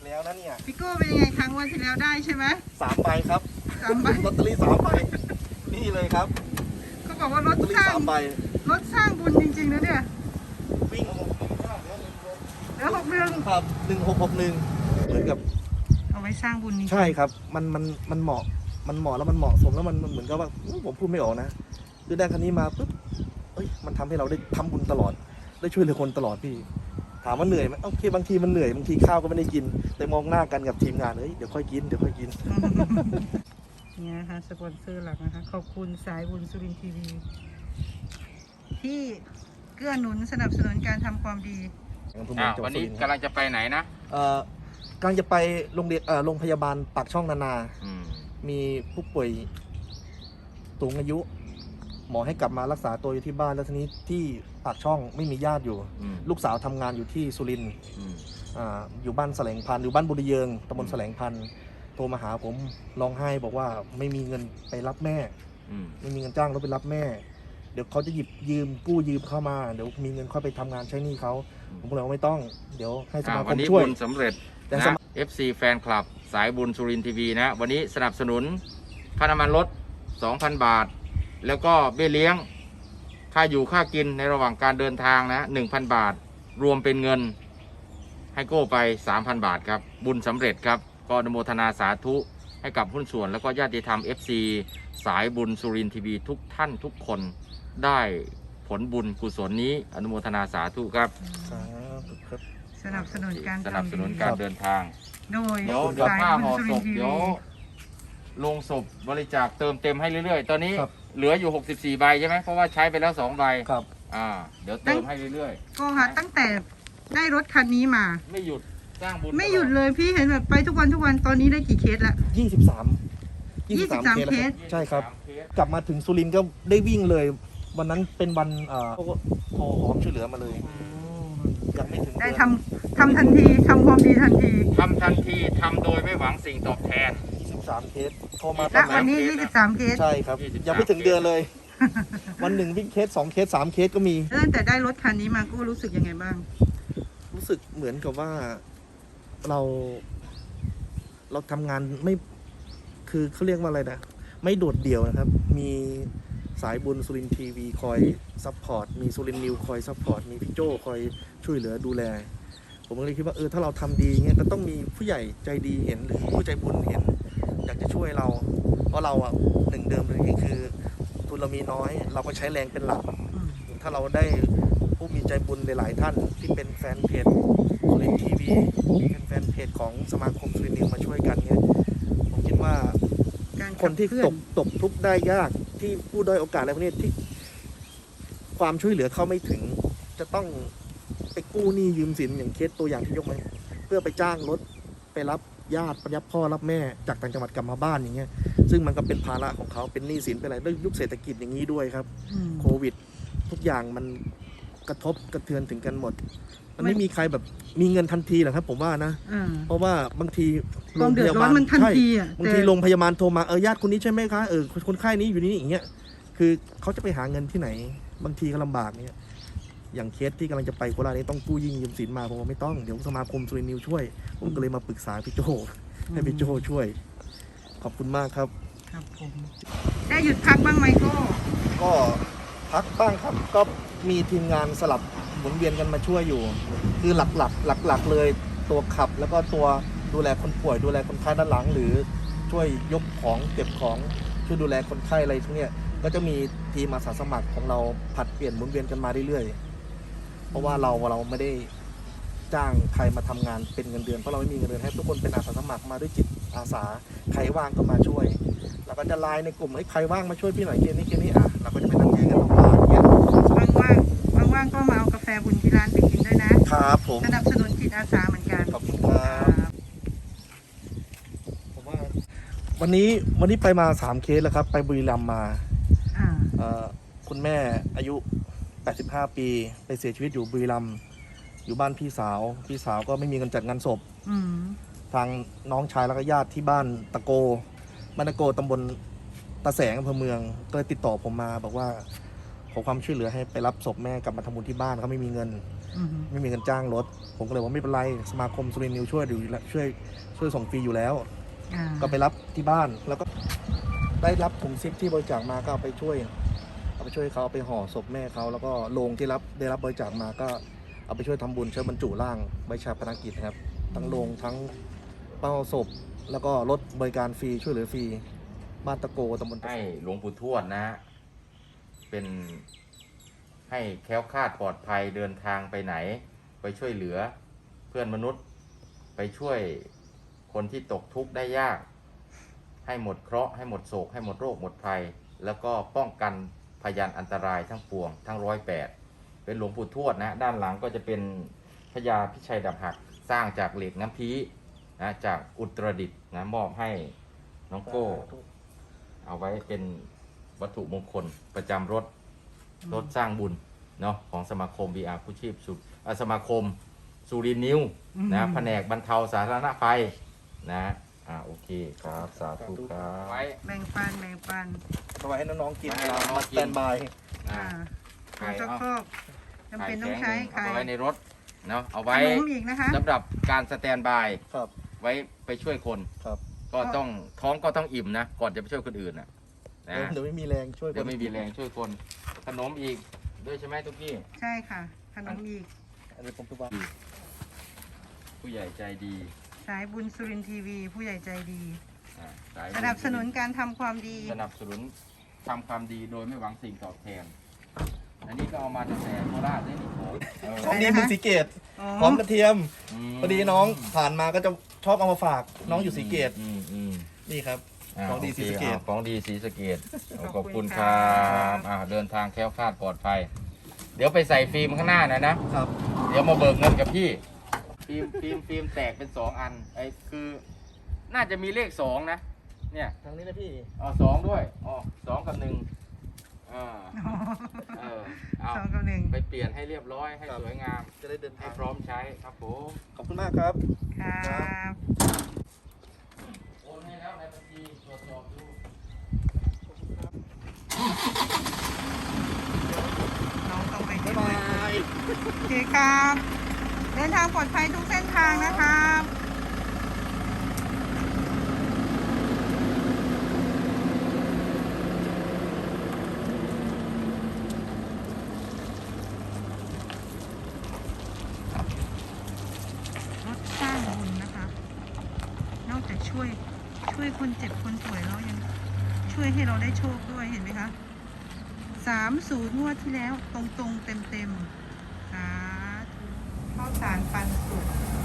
แล้วนะเนี่ยพี่โก้เป็นยังไงครั้งวันที่แล้วได้ใช่ไหม 3 ใบครับ 3 ใบลอตเตอรี่3 ใบนี่เลยครับเขาบอกว่ารถลอตเตอรี่สร้าง 3 ใบรถสร้างบุญจริงๆนะเนี่ยวิ่งแล้ว61 ครับ1661เหมือนกับเอาไว้สร้างบุญจริงใช่ครับมันเหมาะแล้วมันเหมาะสมแล้วมันเหมือนกับว่าผมพูดไม่ออกนะคือได้คันนี้มาปุ๊บมันทำให้เราได้ทำบุญตลอดได้ช่วยเหลือคนตลอดพี่ถามว่าเหนื่อยไหมโอเคบางทีมันเหนื่อยบางทีข้าวก็ไม่ได้กินแต่มองหน้ากันกับทีมงานเดี๋ยวค่อยกินเนี่ยนะคะสปอนเซอร์หลักนะคะขอบคุณสายบุญสุรินทร์ทีวีที่เกื้อหนุนสนับสนุนการทำความดีวันนี้กำลังจะไปไหนนะกำลังจะไปโรงพยาบาลปากช่องนานามีผู้ป่วยสูงอายุ หมอให้กลับมารักษาตัวอยู่ที่บ้านแล้วทีนี้ที่ปากช่องไม่มีญาติอยู่ลูกสาวทำงานอยู่ที่สุรินทร์อยู่บ้านแสลงพันธุ์อยู่บ้านบุรีเยิงตำบลแสลงพันธุ์โทรมาหาผมร้องไห้บอกว่าไม่มีเงินไปรับแม่ไม่มีเงินจ้างรถไปรับแม่เดี๋ยวเขาจะหยิบกู้ยืมเข้ามาเดี๋ยวมีเงินค่อยไปทำงานใช้หนี้เขาผมก็เลยว่าไม่ต้องเดี๋ยวให้สมาคมช่วยวันนี้บุญสำเร็จนะ FC แฟนคลับสายบุญสุรินทร์ทีวีนะวันนี้สนับสนุนค่าน้ำมันรถ 2,000 บาทแล้วก็เบี้ยเลี้ยงค่าอยู่ค่ากินในระหว่างการเดินทางนะ 1,000 บาทรวมเป็นเงินให้โก้ไป 3,000 บาทครับบุญสำเร็จครับก็อนุโมทนาสาธุให้กับหุ้นส่วนแล้วก็ญาติธรรม FC สายบุญสุรินทร์ทีวีทุกท่านทุกคนได้ผลบุญกุศลนี้อนุโมทนาสาธุครับสนับสนุนการเดินทางโดยเดี๋ยวผ้าห่อศพเดี๋ยวลงศพบริจาคเติมเต็มให้เรื่อยๆตอนนี้เหลืออยู่64 ใบใช่ไหมเพราะว่าใช้ไปแล้ว2 ใบครับเดี๋ยวเติมให้เรื่อยๆก็ค่ะตั้งแต่ได้รถคันนี้มาไม่หยุดสร้างบุญไม่หยุดเลยพี่เห็นแบบไปทุกวันตอนนี้ได้กี่เคสละ 23 เคสใช่ครับกลับมาถึงสุรินทร์ก็ได้วิ่งเลยวันนั้นเป็นวันโทรหอมช่วยเหลือมาเลยยังไม่ถึงได้ทำทันทีทำความดีทันทีทำโดยไม่หวังสิ่งตอบแทน 23 เคสโทรมาตอนวันนี้23 เคสใช่ครับยังไม่ถึงเดือนเลยวันหนึ่งวิ่งเคส2 เคส3 เคสก็มีตั้งแต่ได้รถคันนี้มาก็รู้สึกยังไงบ้างรู้สึกเหมือนกับว่าเราทำงานไม่คือเขาเรียกว่าอะไรนะไม่โดดเดี่ยวนะครับมีสายบุญสุรินทร์ทีวีคอยซัพพอร์ตมีสุรินทร์นิวคอยซัพพอร์ตมีพี่โจคอยช่วยเหลือดูแลผมก็เลยคิดว่าถ้าเราทำดีเงี้ยก็ต้องมีผู้ใหญ่ใจดีเห็นหรือผู้ใจบุญเห็นอยากจะช่วยเราเพราะเราหนึ่งเดิมเลยคือทุนเรามีน้อยเราก็ใช้แรงเป็นหลักถ้าเราได้ผู้มีใจบุญหลายๆท่านที่เป็นแฟนเพจสุรินทร์ทีวีเป็นแฟนเพจของสมาคมสุรินทร์นิวมาช่วยกันเงี้ยผมคิดว่าคนที่ตกทุกข์ได้ยากที่ผู้ด้อยโอกาสอะไรพวกนี้ที่ความช่วยเหลือเข้าไม่ถึงจะต้องไปกู้หนี้ยืมสินอย่างเคสตัวอย่างที่ยกมาเพื่อไปจ้างรถไปรับญาติรับพ่อรับแม่จากต่างจังหวัดกลับมาบ้านอย่างเงี้ยซึ่งมันก็เป็นภาระของเขาเป็นหนี้สินเป็นอะไรด้วยยุคเศรษฐกิจอย่างนี้ด้วยครับโควิดทุกอย่างมันกระทบกระเทือนถึงกันหมดมันไม่มีใครแบบมีเงินทันทีหรอกครับผมว่านะเพราะว่าบางทีโรงพยาบาลมันทันทีบางทีโรงพยาบาลโทรมาญาติคนนี้ใช่ไหมคะคนไข้นี้อยู่นี่อย่างเงี้ยคือเขาจะไปหาเงินที่ไหนบางทีก็ลำบากเนี่ยอย่างเคสที่กำลังจะไปโคราชนี้ต้องกู้ยืมสินมาผมว่าไม่ต้องเดี๋ยวสมาคมสุรินทร์นิวช่วยผมก็เลยมาปรึกษาพี่โจให้พี่โจช่วยขอบคุณมากครับครับผมได้หยุดพักบ้างไหมก็พักบ้างครับก็มีทีมงานสลับหมุนเวียนกันมาช่วยอยู่คือหลักเลยตัวขับแล้วก็ตัวดูแลคนป่วยดูแลคนไข้ด้านหลังหรือช่วยยกของเก็บของช่วยดูแลคนไข้อะไรทุกเนี่ยก็จะมีทีมอาสาสมัครของเราผัดเปลี่ยนหมุนเวียนกันมาเรื่อยๆเพราะว่าเราไม่ได้จ้างใครมาทำงานเป็นเงินเดือนเพราะเราไม่มีเงินเดือนให้ทุกคนเป็นอาสาสมัครมาด้วยจิตอาสาใครว่างก็มาช่วยเราก็จะไลน์ในกลุ่มใครว่างมาช่วยพี่หน่อยเคสนี้เราก็จะไปนั่งแยกกันออกมาอย่างเงี้ยว่างก็มาเอากาแฟบุญที่ร้านไปกินด้วยนะครับผมสนับสนุนจิตอาสาเหมือนกันขอบคุณครับผมว่าวันนี้ไปมา3 เคสแล้วครับไปบุรีรัมย์มาคุณแม่อายุ85 ปีไปเสียชีวิตอยู่บุรีรัมย์อยู่บ้านพี่สาวก็ไม่มีเงินจัดงานศพทางน้องชายแล้วก็ญาติที่บ้านตะโกตำบลตะแสงอำเภอเมืองก็เลยติดต่อผมมาบอกว่าขอความช่วยเหลือให้ไปรับศพแม่กลับมาทำบุญที่บ้านเขาไม่มีเงินอืมไม่มีเงินจ้างรถ ผมก็เลยว่าไม่เป็นไรสมาคมสุรินทร์นิวช่วยอยู่แล้วช่วยส่งฟรีอยู่แล้วอ่าก็ไปรับที่บ้านแล้วก็ได้รับถุงซิปที่บริจาคมาก็เอาไปช่วยเขาเอาไปห่อศพแม่เขาแล้วก็โลงที่ได้รับบริจาคมาก็เอาไปช่วยทำบุญช่วยบรรจุร่างใบชาปนกิจนะครับทั้งโลงทั้งเป้าศพแล้วก็รถบริการฟรีช่วยเหลือฟรีบ้านตะโกตำบลตะให้หลวงปู่ทวดนะฮะเป็นให้แคล้วคลาดปลอดภัยเดินทางไปไหน ไปช่วยเหลือเพื่อนมนุษย์ ไปช่วยคนที่ตกทุกข์ได้ยาก ให้หมดเคราะห์ให้หมดโศกให้หมดโรคหมดภัย แล้วก็ป้องกันพยานอันตรายทั้งปวงทั้ง108เป็นหลวงปู่ทวดนะด้านหลังก็จะเป็นพญาพิชัยดาบหักสร้างจากเหล็กน้ำพีนะจากอุตรดิตถ์นะมอบให้น้องโก้ เอาไว้เป็นวัตถุมงคลประจำรถสร้างบุญเนาะของสมาคม VR ผู้ชีพสมาคมสุรินทร์นิวนะแผนกบรรเทาสาธารณภัยนะโอเคครับสาธุครับไว้แบ่งปันแบ่งปันเอาไว้ให้น้องๆกินให้น้องๆมาสแตนบายอ่าใครชักเอาโครกจำเป็นต้องใช้ไข่แข็งเอาไว้ในรถเนาะเอาขไว้นมอีกนะคะสำหรับการสแตนบายครับไว้ไปช่วยคนครับก็ต้องท้องก็ต้องอิ่มนะก่อนจะไปช่วยคนอื่นนะเดี๋ยวไม่มีแรงช่วยเดี๋ยวไม่มีแรงช่วยคนขนมอีกด้วยใช่ไหมทุกที่ใช่ค่ะ ขนมอีกอันนี้ผมทุกวันผู้ใหญ่ใจดีสายบุญสุรินทร์ทีวี ผู้ใหญ่ใจดีสายสนับสนุนการทำความดีสนับสนุนทำความดีโดยไม่หวังสิ่งตอบแทน อันนี้ก็เอามาจากแต่โคราชได้นี่ผมของดีเมืองศรีเกตอ๋อพร้อมกระเทียมมพอดีน้องผ่านมาก็จะชอบเอามาฝากน้องอยู่ศรีเกตอืมนี่ครับาของดีศรีสะเกษโอคของดีศรีสะเกษขขออบบ คุคุณ ณคครัรับ บเดินทางแคล้วคลาดปลอดภัย เดี๋ยวไปใส่ฟิล์มข้างหน้านะครับ เดี๋ยวมาเบิกเงินกับพี่ ฟิล์มแตกเป็น2 อันไอ้คือ น่าจะมีเลข2นะเนี่ยทางนี้นะพี่ 2ด้วย2 กับ 1เอาสองกับหนึ่งไปเปลี่ยนให้เรียบร้อยให้ครับสวยงามจะได้เดินให้ทางพร้อมใช้ครับผมขอบคุณมากครับครับโอนให้แล้วในบัญชีตรวจสอบดูน้องต้องไปบ๊ายด้วบาย ยโอเคครับ เดินทางปลอดภัยทุกเส้นทางนะครับรถสร้างบุญนะคะ นอกจากช่วยคนเจ็บคนป่วยแล้วยังช่วยให้เราได้โชคด้วยเห็นไหมคะ 30 งวดที่แล้วตรงๆเต็มๆสาธุข้าวสารปันสุก